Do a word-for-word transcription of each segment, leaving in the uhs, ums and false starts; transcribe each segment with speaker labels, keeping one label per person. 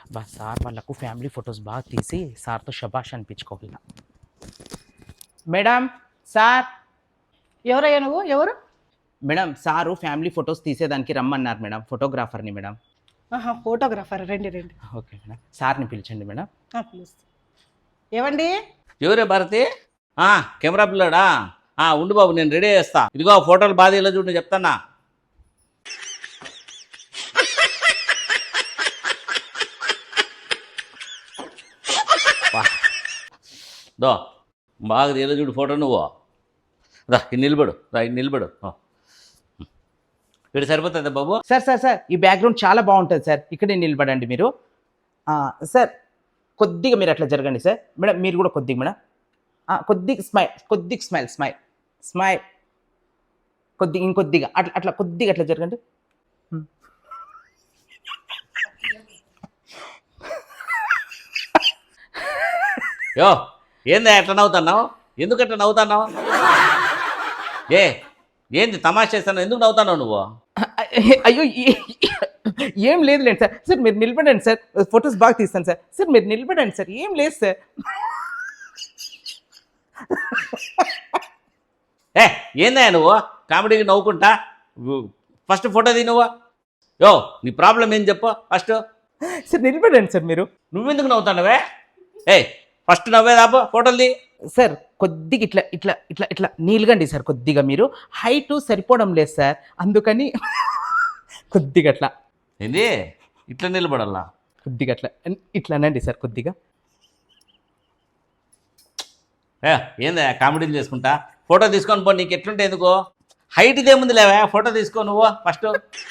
Speaker 1: బా సార్ వాళ్ళకు family photos బాగా తీసి సార్తో శబాష్ అనిపించుకోవాలి. Madam sir.
Speaker 2: ఎవరయ్యా నువ్వు? ఎవరు?
Speaker 1: మేడం సారు ఫ్యామిలీ ఫొటోస్ తీసేదానికి రమ్మన్నారు మేడం, ఫోటోగ్రాఫర్ని మేడం.
Speaker 2: ఆహా, ఫోటోగ్రాఫర్. రండి రండి.
Speaker 1: ఓకే మేడం, సార్ని పిలిచండి మేడం.
Speaker 2: పిలుస్తా. ఏవండి?
Speaker 3: ఎవరే భారతి? కెమెరా పిల్లాడా? ఉండు బాబు, నేను రెడీ చేస్తా. ఇదిగో ఫోటోలు బాగా ఇలా చూడండి చెప్తానా. దో బాగా ఇలా చూడు ఫోటో. నువ్వు రా ఇది నిలబడు, రా ఇది నిలబడు. ఇక్కడ సరిపోతుందా బాబు?
Speaker 1: సార్ సార్ సార్ ఈ బ్యాక్గ్రౌండ్ చాలా బాగుంటుంది సార్, ఇక్కడే నిలబడండి మీరు. సార్ కొద్దిగా మీరు అట్లా జరగండి సార్. మేడం మీరు కూడా కొద్దిగా మేడం, కొద్దిగా స్మైల్, కొద్దిగా స్మైల్ స్మైల్ స్మైల్ కొద్దిగా ఇంకొద్దిగా అట్లా అట్లా కొద్దిగా అట్లా జరగండి.
Speaker 3: యో ఏంది ఎట్లా నవ్వుతున్నావు? ఎందుకు ఎట్లా నవ్వుతున్నావు? ఏ ఏంది తమాషా చేస్తాను? ఎందుకు నవ్వుతున్నావు నువ్వు?
Speaker 1: అయ్యో ఏం లేదులేండి సార్. సార్ మీరు నిలబడండి సార్, ఫొటోస్ బాగా తీస్తాను సార్. సార్ మీరు నిలబడండి సార్, ఏం లేదు సార్.
Speaker 3: ఏ ఏందా నువ్వు కామెడీకి నవ్వుకుంటా? ఫస్ట్ ఫోటో తీ నువ్వు. యో నీ ప్రాబ్లం ఏం చెప్పు ఫస్ట్.
Speaker 1: సార్ నిలబడండి సార్ మీరు.
Speaker 3: నువ్వెందుకు నవ్వుతున్నావే? ఏ ఫస్ట్ నవ్వేదాపో ఫోటోలు తీ.
Speaker 1: సార్ కొద్దిగా ఇట్లా ఇట్లా ఇట్లా ఇట్లా నీలుగండి సార్. కొద్దిగా మీరు హైట్ సరిపోవడం లేదు సార్, అందుకని కొద్దిగా అట్లా.
Speaker 3: ఏంది ఇట్లా నిలబడాలా?
Speaker 1: కొద్దిగా అట్లా ఇట్లానండి సార్ కొద్దిగా.
Speaker 3: ఏ ఏందా కామెడీలు చేసుకుంటా? ఫోటో తీసుకొని పో, నీకు ఎట్లుంటే ఎందుకు? హైట్ ఇదేముంది లేవా, ఫోటో తీసుకో నువ్వు ఫస్ట్.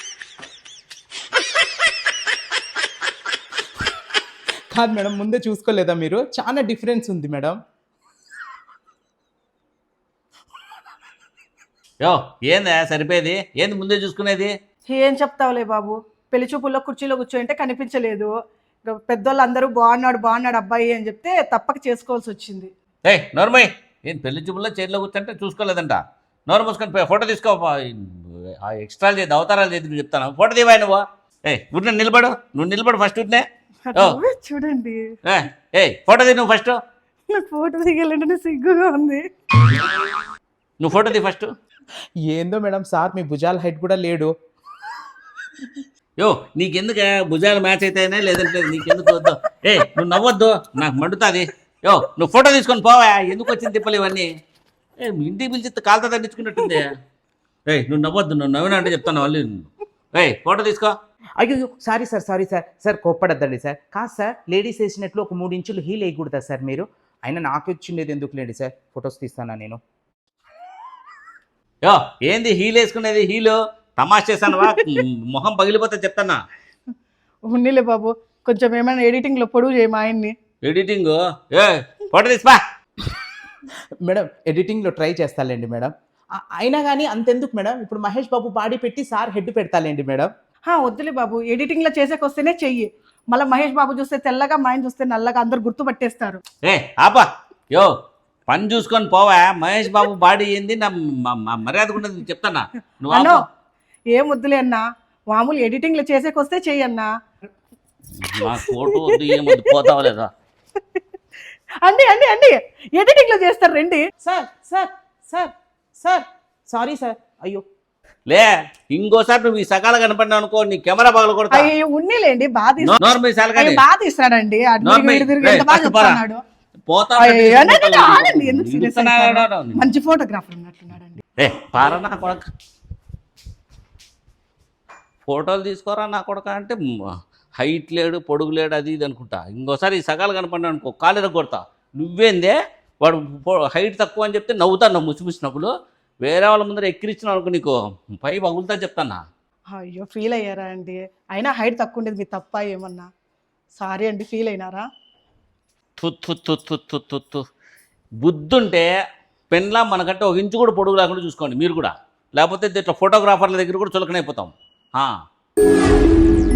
Speaker 1: కాదు మేడం, ముందే చూసుకోలేదా మీరు? చాలా డిఫరెన్స్ ఉంది మేడం.
Speaker 3: యో ఏందా సరిపోయేది? ఏంది ముందే చూసుకునేది?
Speaker 2: ఏం చెప్తావులే బాబు, పెళ్లి చూపుల్లో కుర్చీలో కూర్చోంటే కనిపించలేదు. పెద్దోళ్ళు అందరూ బాగున్నాడు బాగున్నాడు అబ్బాయి అని చెప్తే తప్పక చేసుకోవాల్సి వచ్చింది.
Speaker 3: ఏ నోర్మయ్, ఏం పెళ్లి చూపుల్లో చైర్లో కూర్చుంటే చూసుకోలేదంట. నోరు మూసుకొని ఫోటో తీసుకో. ఎక్స్ట్రా చేద్ది, అవతారాలు చేద్ది చెప్తాను. ఫోటో తీవా నువ్వు. ఏ ఉట్నే నిలబడు, నువ్వు నిలబడు ఫస్ట్. ఉట్నే
Speaker 2: చూడండి.
Speaker 3: ఏ ఫోటో తీ నువ్వు ఫస్ట్.
Speaker 2: నాకు ఫోటో దిగాలంటే సిగ్గుగా ఉంది.
Speaker 3: నువ్వు ఫోటో తీ ఫస్ట్.
Speaker 1: ఏందో మేడం సార్ మీ భుజాల హైట్ కూడా లేడు.
Speaker 3: యో నీకెందుకు భుజాలు మ్యాచ్ అయితేనే లేదంటే నీకెందుకు వద్దు? ఏ నువ్వు నవ్వొద్దు, నాకు మండుతుంది. యో నువ్వు ఫోటో తీసుకొని పోవా, ఎందుకు వచ్చింది తిప్పలు ఇవన్నీ? ఏ ఇంటికి పిలిచి కాలుతో తగ్గించుకున్నట్టుంది. ఏయ్ నువ్వు నవ్వొద్దు, నువ్వు నవ్వినా అంటే చెప్తాను మళ్ళీ. ఏయ్ ఫోటో తీసుకో.
Speaker 1: అయ్యో sorry sir sorry sir. Sir కోప్పడద్దండి సార్. కాదు సార్, లేడీస్ వేసినట్లు ఒక మూడు ఇంచులు హీల్ వేయకూడదా సార్ మీరు? అయినా నాకు వచ్చిండేది ఎందుకు లేండి సార్, ఫొటోస్ తీస్తానా నేను.
Speaker 3: యో ఏంది హీల్ వేసుకునేది? హీలు తమాష చేశానువా, మొహం పగిలిపోతే చెప్తానా.
Speaker 2: ఉన్నిలే బాబు, కొంచెం ఏమైనా ఎడిటింగ్లో పొడుగు చేయ మా ఆయన్ని.
Speaker 3: ఎడిటింగ్? ఏ ఫోటో తీసిపా.
Speaker 1: మేడం ఎడిటింగ్లో ట్రై చేస్తాలేండి మేడం. అయినా కానీ అంతెందుకు మేడం, ఇప్పుడు మహేష్ బాబు బాడీ పెట్టి సార్ హెడ్ పెడతాలేండి మేడం.
Speaker 2: వద్దులే బాబు, ఎడిటింగ్లో చేసేకొస్తేనే చెయ్యి. మళ్ళీ మహేష్ బాబు చూస్తే తెల్లగా, మా ఆయన చూస్తే నల్లగా, అందరు గుర్తుపట్టేస్తారు.
Speaker 3: ఏ ఆపా. యో పని చూసుకొని పోవా. మహేష్ బాబు బాడీ ఏంది నా మర్యాద ఉండదు చెప్తానా.
Speaker 2: నువ్వు ఏం వద్దులే అన్నా, మామూలు ఎడిటింగ్లో చేసేకొస్తే చెయ్యి అన్నా.
Speaker 3: ఫోటో ఏమొద్దు, పోతావా లేదా?
Speaker 2: అండి అండి అండి ఎడిటింగ్లో చేస్తారు రండి.
Speaker 1: Sir sir sir sir sorry sir. అయ్యో
Speaker 3: లే ఇంకోసారి నువ్వు ఈ సకాల కనపడినావు అనుకో, నీ కెమెరా పగల కొడతా.
Speaker 2: అయ్యో ఉన్నిలేండి, బాగా
Speaker 3: బాగా
Speaker 2: తీస్తాడండి. మంచి ఫోటోగ్రాఫర్ ఉన్నట్టున్నాడండి.
Speaker 3: ఏ పారా నా కొడక, ఫోటోలు తీసుకోరా నా కొడక అంటే హైట్ లేడు పొడుగు లేడు అది ఇది అనుకుంటా. ఇంకోసారి ఈ సకాలు కనపడినా అనుకో, కాలేర కొడతా. నువ్వేందే వాడు హైట్ తక్కువ అని చెప్తే నవ్వుతాను ముసిముసినప్పుడు. వేరే వాళ్ళ ముందర ఎక్కిరించిన అనుకో, నీకు పై పగులుతా చెప్తానా.
Speaker 2: అయ్యో ఫీల్ అయ్యారా అండి? అయినా హైట్ తక్కువ ఉండేది మీ తప్ప ఏమన్నా? సారీ అండి, ఫీల్ అయినారా?
Speaker 3: తుత్తు తుత్తు తుత్తు తుత్తు బుద్ధుంటే పెన్లా మనకంటే ఒక ఇంచు కూడా పొడుగు లేకుండా చూసుకోండి మీరు కూడా. లేకపోతే ఇట్లా ఫోటోగ్రాఫర్ల దగ్గర కూడా చులకనైపోతాం.